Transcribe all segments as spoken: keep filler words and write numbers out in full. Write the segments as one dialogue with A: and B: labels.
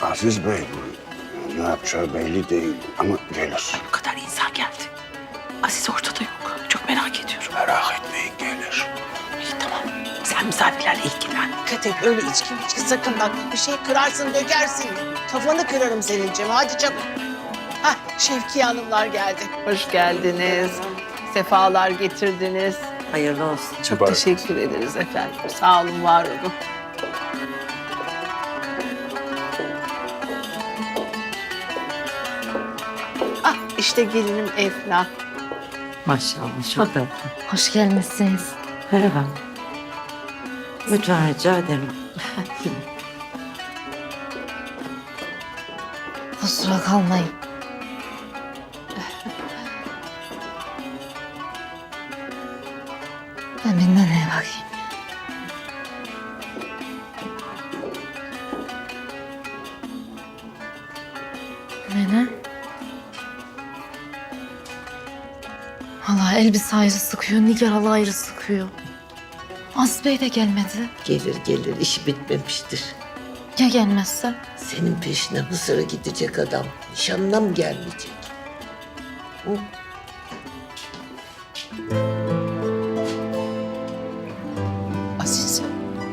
A: Aziz Bey ne yapacağı belli değil ama gelir.
B: Bu kadar insan geldi. Aziz ortada yok. Çok merak ediyorum.
A: Merak etmeyin gelir.
B: İyi tamam. Sen misafirlerle ilgilen.
C: Dikkat et öyle içki içki sakın bak. Bir şey kırarsın dökersin. Kafanı kırarım senin Cem. Hadi çabuk. Hah Şevkiye Hanımlar geldi.
B: Hoş geldiniz. Sefalar getirdiniz.
D: Hayırlı olsun.
B: Çok
A: Mübarek.
B: teşekkür ederiz efendim. Sağ olun, var olun. Ah işte gelinim Efna.
D: Maşallah çok tatlı.
E: Hoş gelmişsiniz.
D: Merhaba. Lütfen rica ederim.
E: Kusura kalmayın. Ben bir neneye bakayım. Nene? Hala elbise ayrı sıkıyor, Nigar hala ayrı sıkıyor. Aziz Bey de gelmedi.
D: Gelir gelir işi bitmemiştir.
E: Ya gelmezse?
D: Senin peşine Mısır'a gidecek adam. Nişanına mı gelmeyecek? Hı?
B: Aziz.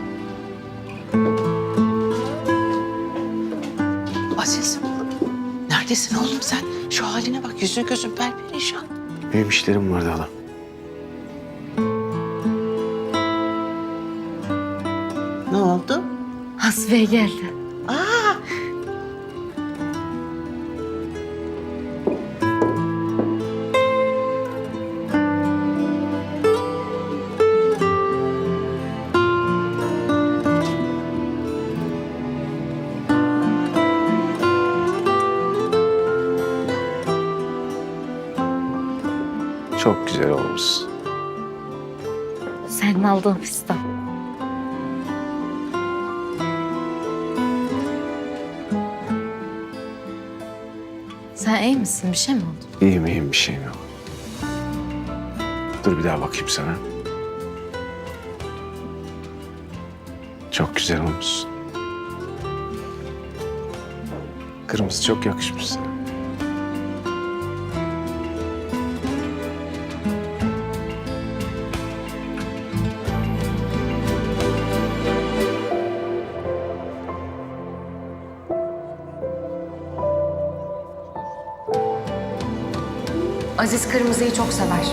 B: Aziz. Neredesin oğlum sen? Şu haline bak. Yüzün gözün perperişan.
A: Benim işlerim vardı hala.
D: Ne oldu?
E: Aziz Bey geldi.
D: Aa!
A: Çok güzel olmuş.
E: Senin aldığın fistan. Sen iyi misin? Bir şey mi oldu?
A: İyiyim iyiyim bir şeyim yok. Dur bir daha bakayım sana. Çok güzel olmuşsun. Kırmızı çok yakışmış sana.
F: Aziz kırmızıyı çok sever.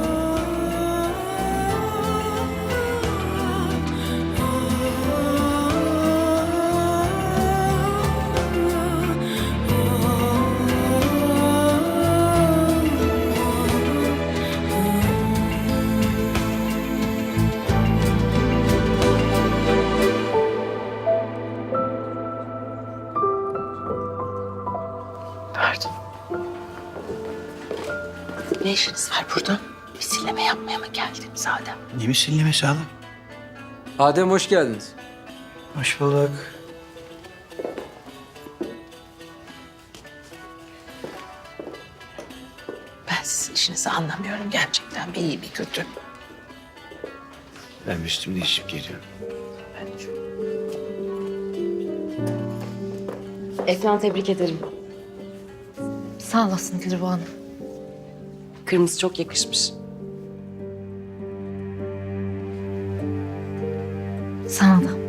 B: Pardon. Ne işiniz var burada? Misilleme yapmaya mı geldiniz Adem?
G: Ne misillemesi hala?
H: Adem hoş geldiniz.
G: Hoş bulduk.
B: Ben sizin işinizi anlamıyorum gerçekten. Bir iyi bir kötü.
A: Ben üstümü değişip geliyorum.
F: Efnan tebrik ederim.
E: Sağ olasın Dilruba Hanım.
F: Kırmızı çok yakışmış.
E: Sana da.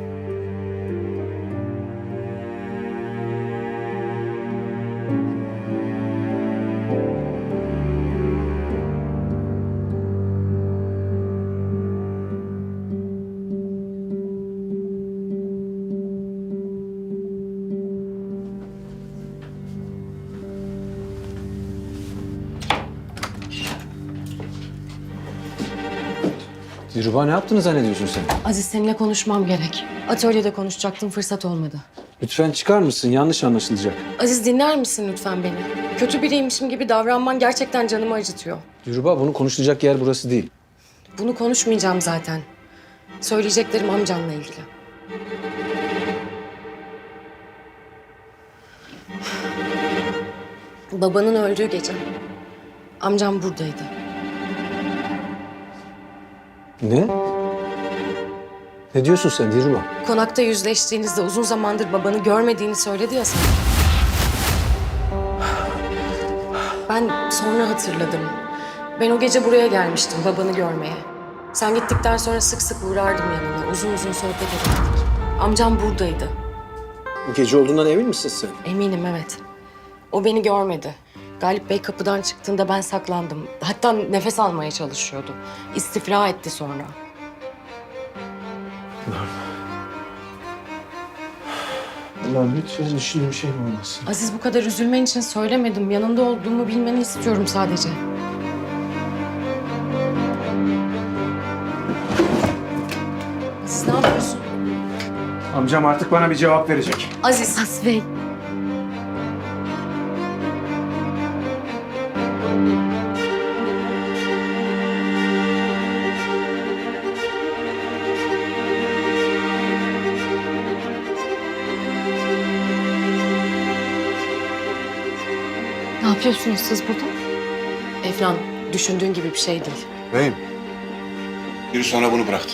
H: Dilruba ne yaptığını zannediyorsun sen?
F: Aziz seninle konuşmam gerek. Atölyede konuşacaktım, fırsat olmadı.
H: Lütfen çıkar mısın? Yanlış anlaşılacak.
F: Aziz dinler misin lütfen beni? Kötü biriymişim gibi davranman gerçekten canımı acıtıyor.
H: Dilruba bunu konuşulacak yer burası değil.
F: Bunu konuşmayacağım zaten. Söyleyeceklerim amcanla ilgili. Babanın öldüğü gece amcam buradaydı.
H: Ne? Ne diyorsun sen Dilruba?
F: Konakta yüzleştiğinizde uzun zamandır babanı görmediğini söyledi ya sana. Ben sonra hatırladım. Ben o gece buraya gelmiştim babanı görmeye. Sen gittikten sonra sık sık uğrardım yanına. Uzun uzun sohbet ederdik. Amcam buradaydı.
H: Gece olduğundan emin misin sen?
F: Eminim, evet. O beni görmedi. Galip Bey kapıdan çıktığında ben saklandım. Hatta nefes almaya çalışıyordu. İstifra etti sonra.
H: Allah'ım lütfen düşündüğüm şey mi olmasın?
F: Aziz, bu kadar üzülmen için söylemedim. Yanında olduğumu bilmeni istiyorum sadece. Aziz, ne yapıyorsun?
A: Amcam artık bana bir cevap verecek.
F: Aziz.
E: Aziz Bey. Ne yapıyorsunuz siz burada?
F: Efnan, düşündüğün gibi bir şey değil.
A: Beyim. Biri sonra bunu bıraktı.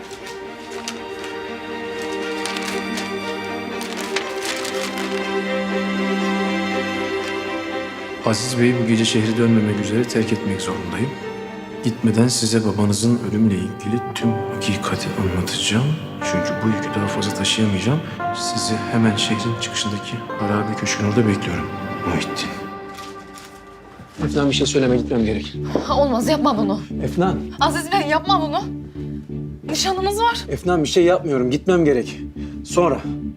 I: Aziz Bey'i bu gece şehri dönmemek üzere terk etmek zorundayım. Gitmeden size babanızın ölümle ilgili tüm hakikati anlatacağım. Çünkü bu yükü daha fazla taşıyamayacağım. Sizi hemen şehrin çıkışındaki harabe köşkün orada bekliyorum. Muhittin.
H: Efnan bir şey söyleme, gitmem gerek.
E: Ha, olmaz, yapma bunu.
H: Efnan,
E: Aziz Bey, yapma bunu. Nişanımız var.
H: Efnan bir şey yapmıyorum, gitmem gerek. Sonra.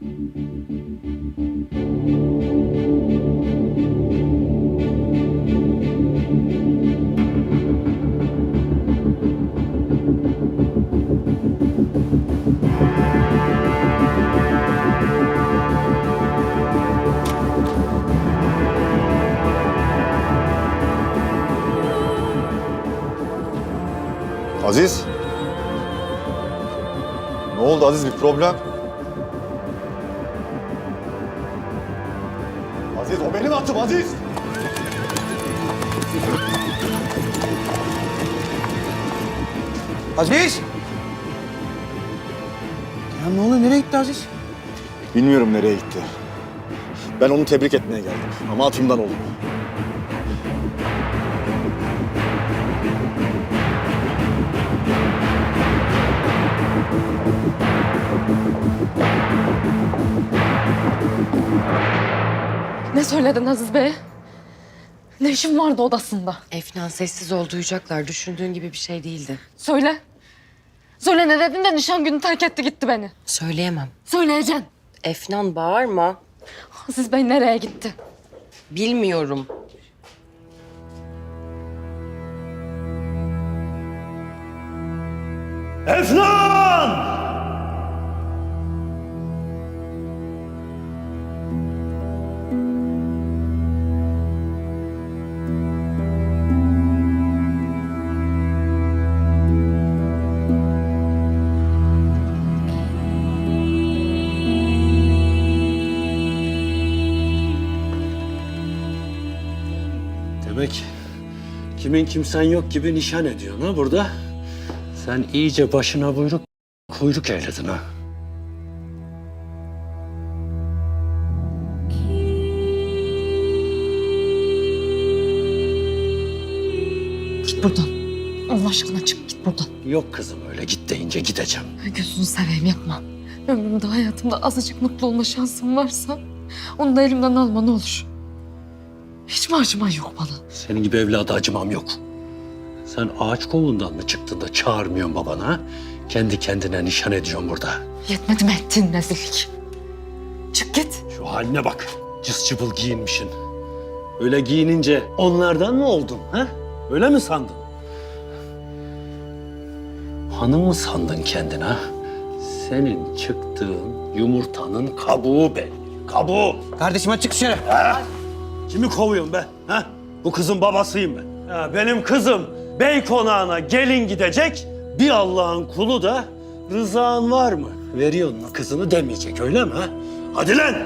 J: Aziz. Ne oldu Aziz, bir problem? Aziz, o benim atım Aziz.
G: Aziz! Ya ne oluyor? Nereye gitti Aziz?
J: Bilmiyorum nereye gitti. Ben onu tebrik etmeye geldim ama atımdan oldu.
E: Ne söyledin Aziz Bey? Ne işin vardı odasında?
F: Efnan, sessiz ol, duyacaklar. Düşündüğün gibi bir şey değildi.
E: Söyle. Söyle, ne dedin de nişan günü terk etti gitti beni.
F: Söyleyemem.
E: Söyleyeceksin.
F: Efnan, bağırma.
E: Aziz Bey nereye gitti?
F: Bilmiyorum.
A: Efnan!
K: Demek kimin kimsen yok gibi nişan ediyorsun ha burada. Sen iyice başına buyruk, kuyruk eyledin ha.
E: Git buradan. Allah aşkına çık git buradan.
K: Yok kızım, öyle git deyince gideceğim.
E: Gözünü seveyim, yapma. Ömrümde, hayatımda azıcık mutlu olma şansım varsa onu da elimden alma ne olur. Hiç mi acıman yok bana?
K: Senin gibi evladı acımam yok. Sen ağaç kovuğundan mı çıktın da çağırmıyorsun babana ha? Kendi kendine nişan ediyorsun burada.
E: Yetmedi mi ettiğin rezillik? Çık git.
K: Şu haline bak, cız cıbıl giyinmişsin. Öyle giyinince onlardan mı oldun ha? Öyle mi sandın? Hanım mı sandın kendine ha? Senin çıktığın yumurtanın kabuğu belli. Kabuğu.
G: Kardeşim hadi çık dışarı.
K: Ha? Kimi kovuyorsun be? Ha? Bu kızın babasıyım ben. Ha, benim kızım bey konağına gelin gidecek. Bir Allah'ın kulu da rızan var mı? Veriyorsun mu kızını demeyecek, öyle mi? Ha? Hadi lan!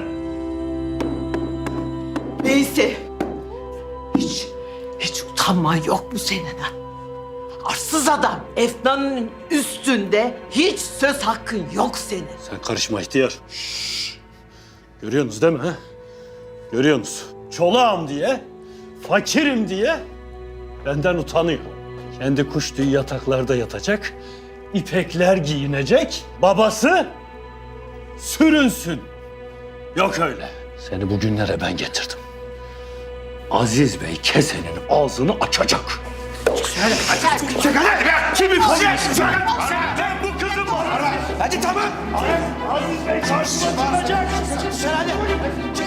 B: Neyse. Hiç, hiç utanman yok mu senin ha? Arsız adam. Efnan'ın üstünde hiç söz hakkın yok senin.
K: Sen karışma ihtiyar. Şşş. Görüyorsunuz değil mi? Ha? Görüyorsunuz. Çolağım diye, fakirim diye benden utanıyor. Kendi kuş tüyü yataklarda yatacak, ipekler giyinecek, babası sürünsün. Yok öyle. Seni bugünlere ben getirdim. Aziz Bey kesenin ağzını açacak. Çık hadi be! Kimi kovuyorsun? Ben bu kızım var.
G: Hadi tamam.
K: Aziz Bey karşıma çıkacak.
G: Hadi.